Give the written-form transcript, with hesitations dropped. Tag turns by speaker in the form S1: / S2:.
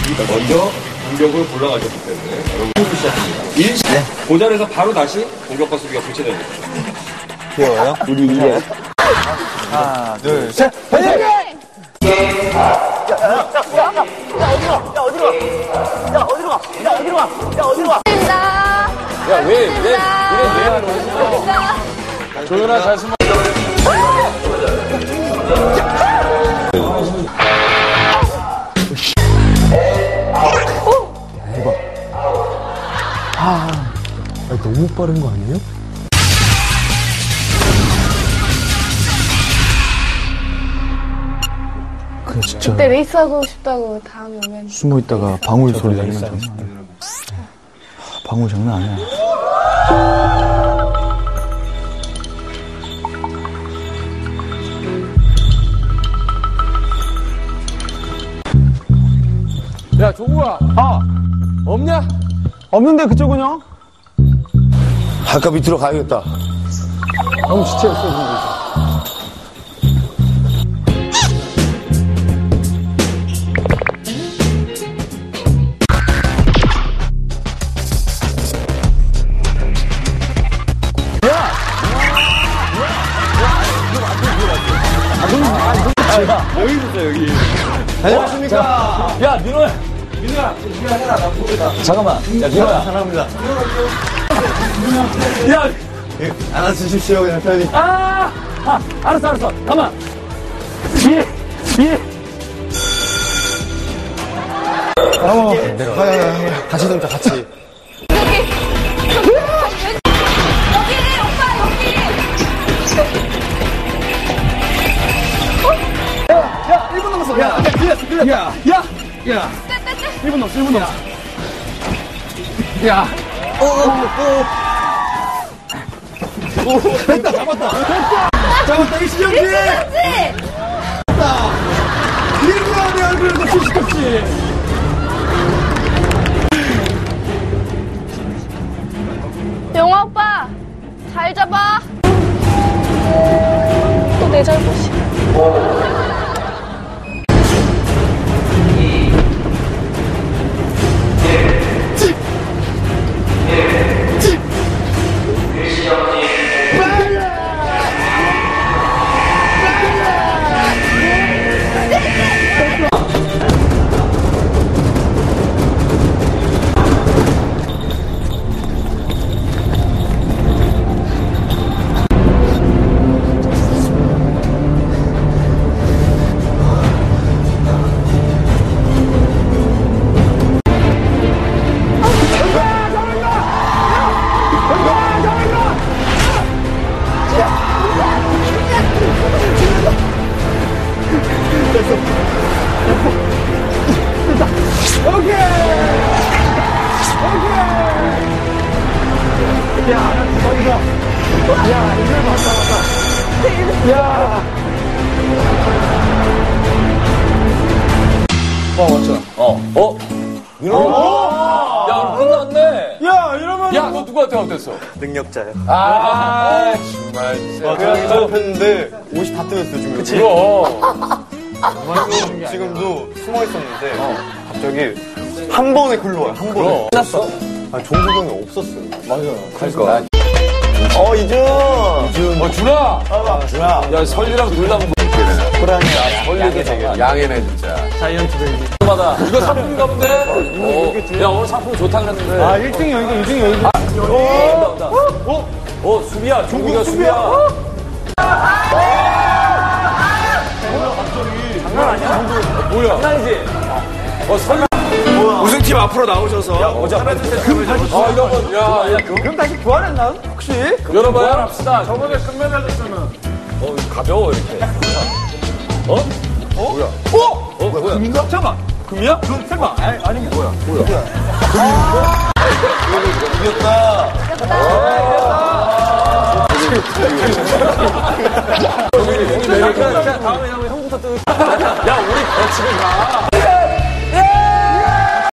S1: 먼저 공격을 골라가셨기 때문에 여러분 시작합니다. 1시 네. 그 자리에서 바로 다시 공격과 수비가 교체됩니다.
S2: 귀여워요? 우리 이제 하나, 둘, 셋! 화이팅!
S3: 어디로 가?
S1: 야, 왜 조연아, 잘 숨어.
S2: 대박. 너무 빠른 거 아니에요? 그래, 진짜.
S3: 그때 레이스하고 싶다고 다음에 오면.
S2: 숨어 있다가 방울 소리 나면 장난 아니야. 방울 장난 아니야.
S1: 야, 종우야. 없냐?
S2: 없는데 그쪽은 형?
S4: 아까 밑으로 가야겠다.
S2: 너무 지체했어, 지금.
S1: 여기 있었어, 여기.
S4: 안녕하십니까.
S1: 야, 민호야, 우리가 해라. 나 모르겠다.
S4: 잠깐만. 야, 민호야.
S2: 사랑합니다.
S1: 야!
S4: 안아주십시오, 그냥 편히.
S1: 알았어. 가만.
S4: 같이 넘자, 같이.
S3: 여기, 오빠, 여기!
S2: 야, 1분 남았어. 야, 끌렸어. 야. 1분 남았어. 야. 됐다, 잡았다, 이시영 씨! 됐다! 이리야, 내 얼굴에서 시시껍지!
S3: 영화 오빠, 잘 잡아. 또 내 잘못이야.
S1: 야, 끝났네.
S2: 야, 이러면.
S1: 야, 너 누구한테 어땠어?
S4: 능력자요.
S1: 정말.
S4: 그냥 잡혔는데 옷이 다 뜨였어요, 지금. 그치. 지금도 숨어 있었는데, 갑자기 한 번에 글러와요, 한 번에.
S1: 끝났어.
S4: 종석이 형이 없었어요.
S1: 그러니까.
S4: 이준.
S1: 준아.
S4: 준아.
S1: 야, 설리랑 둘 다.
S4: 호랑이야.
S1: 설리도 되게. 양해네, 진짜.
S2: 자이언트 베이비.
S1: 마다. 이거 상품인가 본데? 야, 오늘 상품 좋다 그랬는데.
S2: 1등이야, 이거 2등이야,
S1: 온다. 수비야. 종국이가 수비야. 장난 아니야? 뭐야? 장난이지? 설리.
S4: 우승팀 앞으로 나오셔서.
S1: 이런 거. 야,
S2: 그럼 다시 교환했나? 혹시?
S1: 열어봐요. 합시다. 저번에 금메달렸잖아. 가벼워, 이렇게. 뭐야? 뭐야?
S2: 금인가? 잠깐만. 금이야? 설마. 아니, 뭐야?
S4: 이겼다.
S1: 다음에 형부터 뜨. 야, 우리 지금 가.